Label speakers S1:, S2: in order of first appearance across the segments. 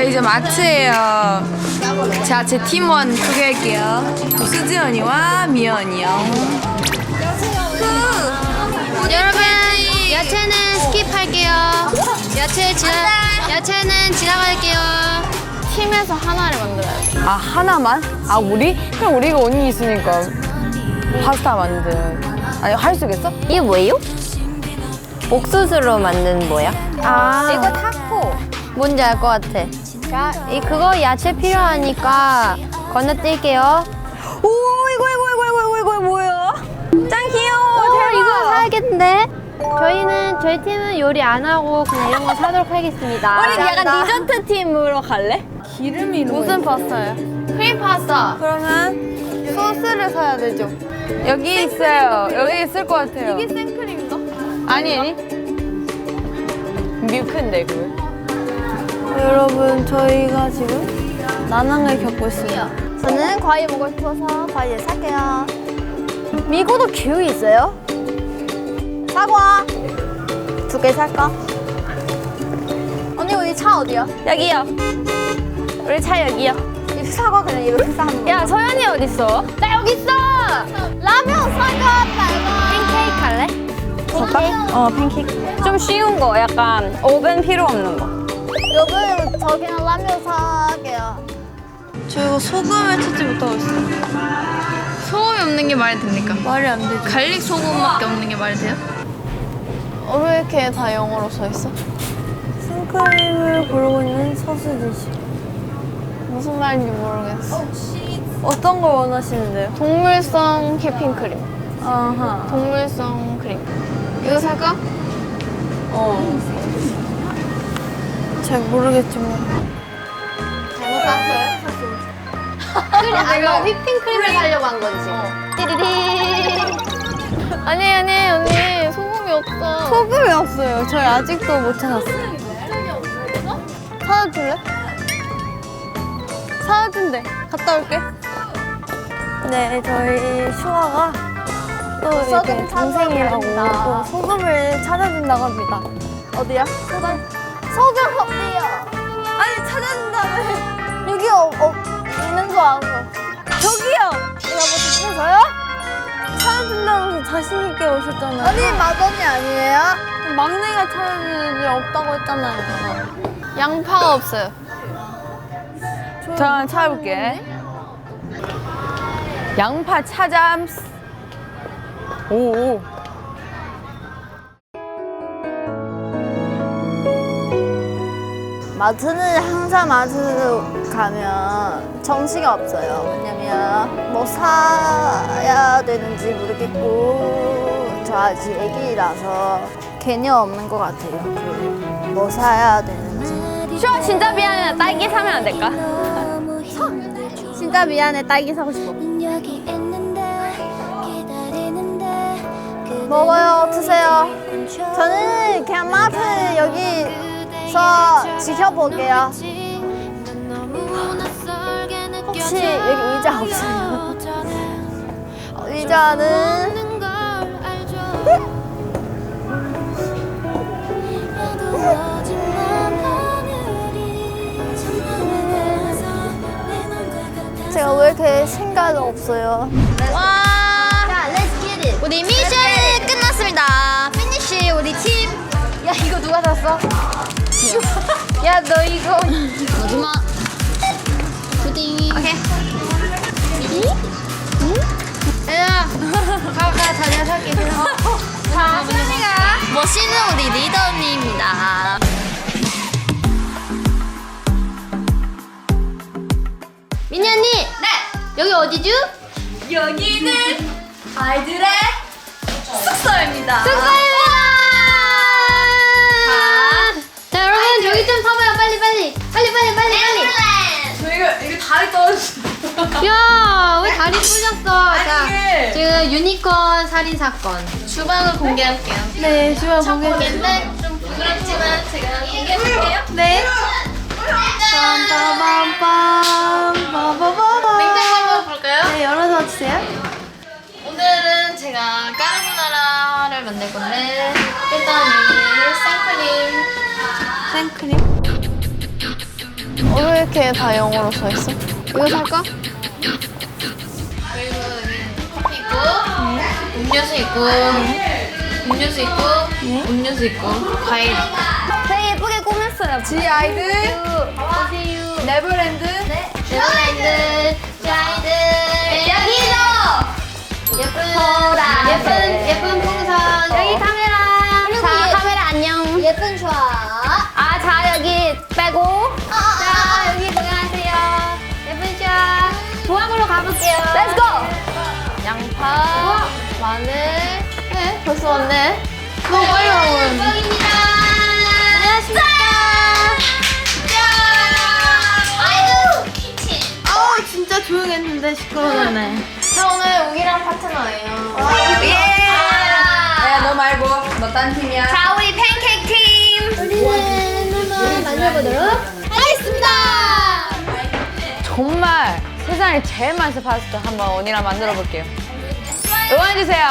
S1: 저희 이제 마트예요. 자, 제 팀원 소개할게요. 수지 언니와 미연 언니요.
S2: 여러분, 야채는 스킵할게요. 야채는 지나갈게요. 팀에서 하나를 만들어야 돼.
S1: 아, 하나만? 아, 우리? 그럼 우리가 언니 있으니까 파스타 아니, 할 수 있겠어?
S2: 이게 뭐예요? 옥수수로 만든 뭐야? 이거 타코. 뭔지 알 것 같아. 자, 그거 야채 필요하니까 건너뛸게요.
S1: 오, 이거 뭐야? 짱 귀여워. 대박.
S2: 이거 사야겠는데? 저희 팀은 요리 안 하고 그냥 이런 거 사도록 하겠습니다.
S1: 우리 약간 디저트 팀으로 갈래? 기름이
S2: 무슨 파스타요? 크림 파스타.
S1: 그러면
S2: 소스를 사야 되죠.
S1: 여기 있어요. 여기 있을 것 같아요.
S2: 이게 생크림인가?
S1: 아니. 뮤크인데 그거.
S2: 여러분, 저희가 지금 난항을 겪고 있습니다. 저는 과일 먹고 싶어서 과일 살게요. 미고도 기회 있어요? 사과 2개 살까? 언니, 우리 차 어디야?
S1: 여기요. 우리 차 여기요.
S2: 이 사과 그냥 이렇게 싸는 거야?
S1: 야, 서연이 어딨어?
S2: 나 여기 있어! 라면 사과 팬케이크 할래? 팬케이크?
S1: 팬케이크. 좀 쉬운 거, 약간 오븐 필요 없는 거.
S2: 여러분, 저 그냥 라면 사게요.
S1: 저 이거 소금을 찾지 못하고 있어요. 소금이 없는 게 말이 됩니까?
S2: 말이 안 되지.
S1: 갈릭 소금밖에 없는 게 말이 돼요?
S2: 왜 이렇게 다 영어로 써 있어? 생크림을 고르고 있는 서수지 씨. 무슨 말인지 모르겠어. 어떤 걸 원하시는데요? 동물성 휘핑크림. 아하. 동물성 크림. 이거 살까? 잘 모르겠지만. 잘못 샀어요? 너 휘핑크림을 사려고 한 거지 지금. 띠리리. 아니 언니 소금이 없어. 소금이 없어요. 저희 아직도 못 찾았어요. 사다 줄래? 사다 준대. 갔다 올게. 네, 저희 슈아가 또 이렇게 동생이라고 또 소금을 찾아준다고 합니다. 어디야? 소금 어디요? 아니, 찾아준다며. 여기 있는 거 알고. 저기요. 여러분, 저요? 찾아준다면서 자신있게 오셨잖아요. 언니 맏언니 아니에요? 막내가 찾아줄 일 없다고 했잖아요. 양파가 없어요.
S1: 저 찾아볼게. 양파 차잠. 오.
S2: 마트는 항상 마트 가면 정신이 없어요. 왜냐면 뭐 사야 되는지 모르겠고 저 아직 애기라서 개념 없는 것 같아요. 뭐 사야 되는지.
S1: 슈아 진짜 미안해. 딸기 사면 안 될까?
S2: 진짜 미안해. 딸기 사고 싶어. 먹어요. 드세요. 저는 그냥 마트 여기서 지켜볼게요. 혹시 여기 의자 없어요? 의자는 제가 왜 이렇게 생각이 없어요?
S3: 와! 우리 미션이 끝났습니다. 피니쉬 우리 팀.
S2: 야, 이거 누가 샀어? 야, 너 이거
S3: 마지막 푸딩. 오케이.
S2: 야, 가가 다녀 살게. 자, 선이가
S3: 멋있는 우리 리더 언니입니다. 민니 언니. 네. 여기 어디죠?
S1: 여기는 아이들의 숙소입니다.
S3: 축하합니다. 자, 여러분 저기 좀 서봐요. 빨리.
S1: 이거 다리 떨어졌어.
S3: 야, 왜 다리 풀렸어? 자,
S1: 이게-
S3: 지금 유니콘 살인 사건. 주방을 공개할게요.
S2: 네, 주말
S3: 첫
S2: 보게.
S3: 공개인데 좀 부끄럽지만 제가 공개해볼게요.
S2: 네. 빰빰빰빰빰빰빰.
S3: 냉장고 한번 볼까요?
S2: 네, 열어서 주세요.
S3: 오늘은 제가 까르보나라를 만들 건데 일단 이 생크림
S2: 생크림. 왜 이렇게 다 영어로 써 있어? 이거 살까?
S3: 그리고 여기 커피 있고, 음료수 있고, 음료수 있고, 음료수 있고, 과일.
S2: 되게 예쁘게 꾸몄어요.
S1: 지아이들
S3: 보세요.
S1: 네버랜드
S3: 네버랜드, 자이들. 여기도! 예쁜 풍선.
S2: 여기 카메라. 자, 카메라 안녕.
S3: 예쁜 좌.
S2: 아, 자, 여기 빼고.
S3: 자, 여기 보여주세요. 예쁜 좌.
S2: 부엌으로 가볼게요. Let's go! 양파, 마늘. 네, 벌써 왔네. 너무 빨리 와보는.
S3: 뻥입니다.
S2: 안녕하십니까.
S3: 아이고, 키친.
S2: 아우, 진짜 조용했는데 시끄러웠네.
S3: 저 오늘 우기랑 파트너예요.
S1: 야너 말고 너 딴 팀이야.
S2: 자, 우리 팬케이크 팀.
S3: 우리는 한번 만들어보도록 하겠습니다.
S1: 정말 세상에 제일 맛있는 파스타 한번 언니랑 만들어 볼게요. 응원해주세요.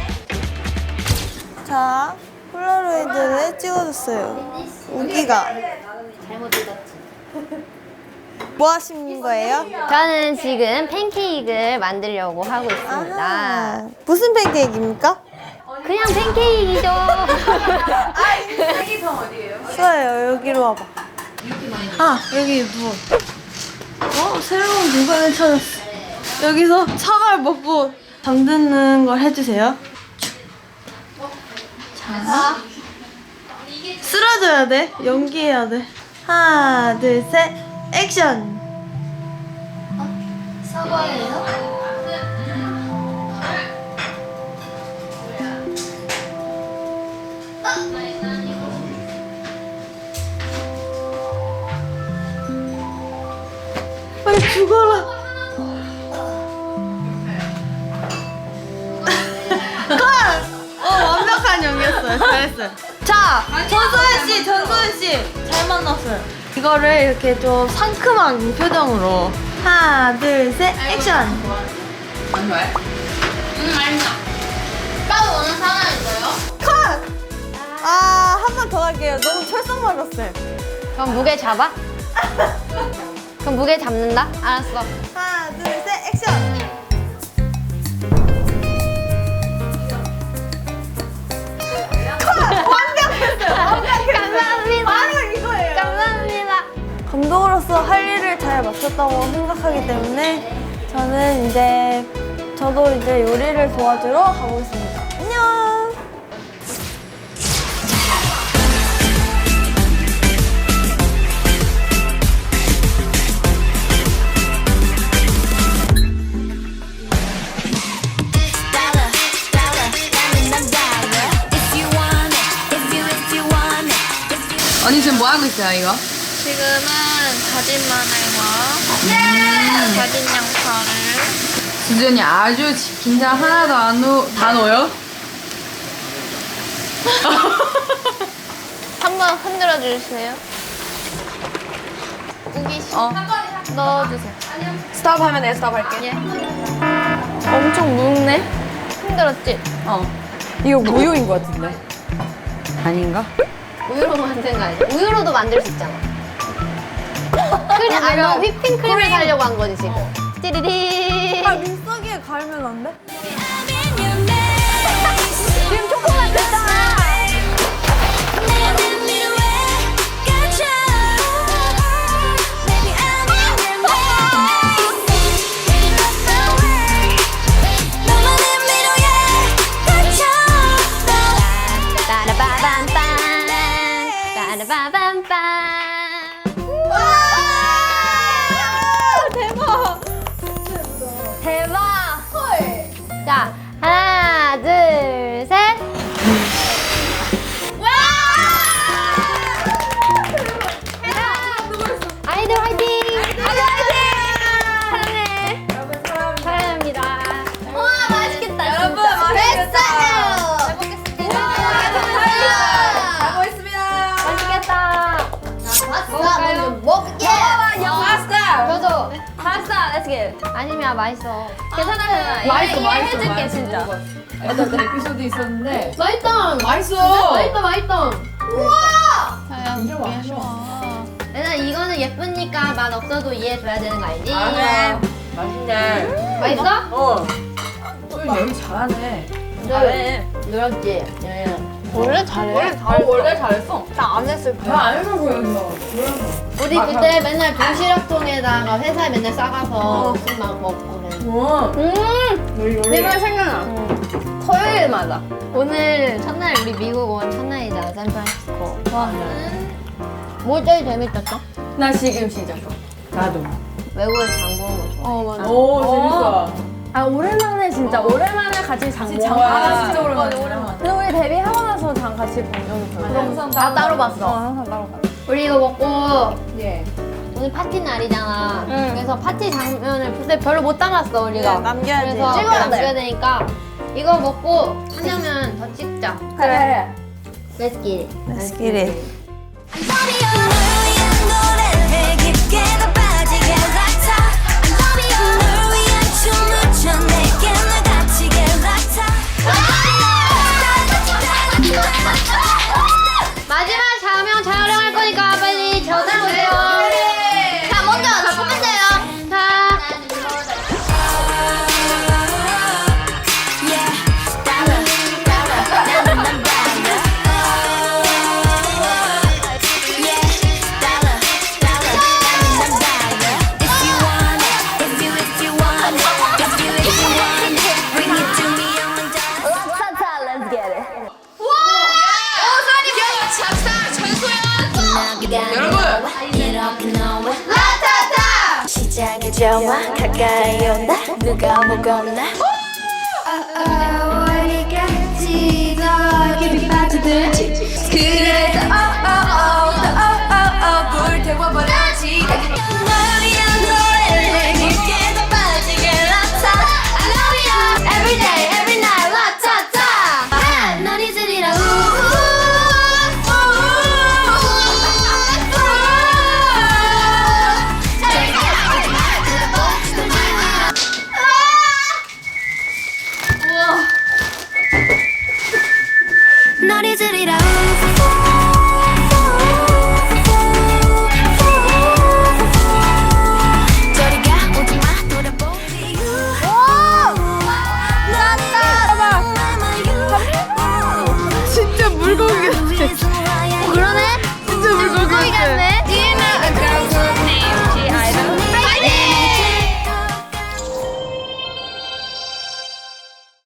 S2: 자, 폴라로이드를 찍어줬어요. 우기가.
S3: 잘못 읽었지.
S2: 뭐 하시는 거예요?
S4: 저는 지금 팬케이크를 만들려고 하고 있습니다.
S2: 아하. 무슨 팬케이크입니까?
S4: 그냥 팬케이크죠.
S2: 수아요, 여기로 와봐. 아, 여기 누워. 새로운 공간을 찾았어. 여기서 차가를 먹고 잠드는 걸 해주세요. 자, 쓰러져야 돼. 연기해야 돼. 하나, 둘, 셋, 액션!
S3: 서버예요?
S2: 빨리 죽어라. 완벽한 연기였어요. 잘했어요. 자, 전소연 씨, 잘 만났어요. 이거를 이렇게 좀 상큼한 표정으로 하나, 둘, 셋, 액션.
S3: 알죠. 따로 오는 상황 있어요?
S2: 컷. 아, 한 번 더 할게요. 너무 철썩맞았어요.
S4: 그럼 무게 잡아? 그럼 무게 잡는다? 알았어.
S2: 하나, 둘, 셋, 액션.
S4: 감사합니다.
S2: 바로 이거예요.
S4: 감사합니다.
S2: 감독으로서 할 일을 잘 마쳤다고 생각하기 때문에 저는 이제 저도 이제 요리를 도와주러 가고 있습니다. 안녕.
S1: 언니 지금 뭐 하고 있어요 이거?
S2: 지금은 다진 마늘과 다진 양파를
S1: 진준이 아주 긴장 하나도 다 넣어요?
S2: 한번 흔들어 주세요. 우기 씨 넣어주세요.
S1: 스탑 하면 내 스탑 할게.
S2: 엄청 묽네. 힘들었지?
S1: 이거 무효인 것 같은데. 아닌가?
S4: 우유로 만든 거 아니야? 우유로도 만들 수 있잖아. 그냥 너 휘핑크림을 사려고 한 거지 지금. 띠리리.
S2: 아, 민석이에 갈면 안 돼?
S4: 지금 초코가 됐잖아. 따라바밤빰 따라바밤빰. 대박! 자, 하나, 둘, 셋. 아이들 화이팅! 아이들 화이팅! 사랑해. 사랑합니다.
S3: 우와, 맛있겠다.
S1: 여러분,
S3: 진짜.
S1: 맛있겠다.
S3: 됐어요. 잘 먹겠습니다.
S1: 맛있습니다.
S4: 맛있겠다.
S3: 파스타 먹게.
S1: 파스타.
S4: 저도 파스타 렛츠 겟. 아니면 맛있어. 괜찮아.
S1: 맛있어.
S4: 해줄게 진짜.
S1: 어떤 에피소드 있었는데.
S3: 맛있다.
S1: 맛있어.
S3: 맛있다.
S4: 우와!
S3: 자야,
S1: 진짜 맛있어.
S4: 얘는 이거는 너는 예쁘니까 맛 없어도 이해해줘야 되는 거 알지?
S5: 그래. 맛있네.
S4: 맛있어?
S5: 어. 여기 잘하네. 잘해.
S4: 늘었지?
S2: 원래 잘해.
S5: 원래 잘했어.
S2: 나 안 했을 때.
S5: 나안 해서 보였어.
S4: 우리 그때 맨날 도시락통에다가 회사에 맨날 싸가서 막 먹고 그랬는데.
S5: 우와.
S2: 내가 생각나. 토요일마다.
S4: 오늘 첫날 우리 미국 온 첫날이다, 샌프란시스코. 와. 뭐 제일 재밌었어?
S5: 나 지금 진짜 좋아. 나도.
S4: 외국에 장 보는 거 좋아.
S2: 맞아.
S5: 오, 재밌어.
S2: 아 오랜만에 진짜 오랜만에 같이 장 보는
S5: 장
S2: 거.
S5: 진짜 오랜만에.
S2: 근데 우리 데뷔하고 나서 장 같이 본 적이 별로 없어.
S5: 나 따로 봤어.
S2: 항상 따로 가.
S4: 우리 이거 먹고
S5: 예.
S4: 오늘 파티 날이잖아.
S2: 응.
S4: 그래서 파티 장면을 그때 별로 못 담았어 우리가.
S2: 네, 남겨야지.
S4: 그래서
S2: 찍어야 돼.
S4: 남겨야 되니까 이거 먹고 한 장면 더 찍자.
S2: 그래.
S4: Let's get it.
S2: Let's get it.
S4: 마지막 장면 촬영할 거니까 빨리 저장보세요. 자, 먼저 다 보면 돼요. 자.
S6: 시작의 정화 가까이 온다 누가 먹었나 어디까지 더 깊이 빠져들지 그래서 불태워버려지 널 위한 노래를 깊게 더 빠지게 라타 I love you every day every night 라타타 널 잊으리라 널 잊으리라 저리가 오지마 돌아보기
S2: 진짜 물고기 같아.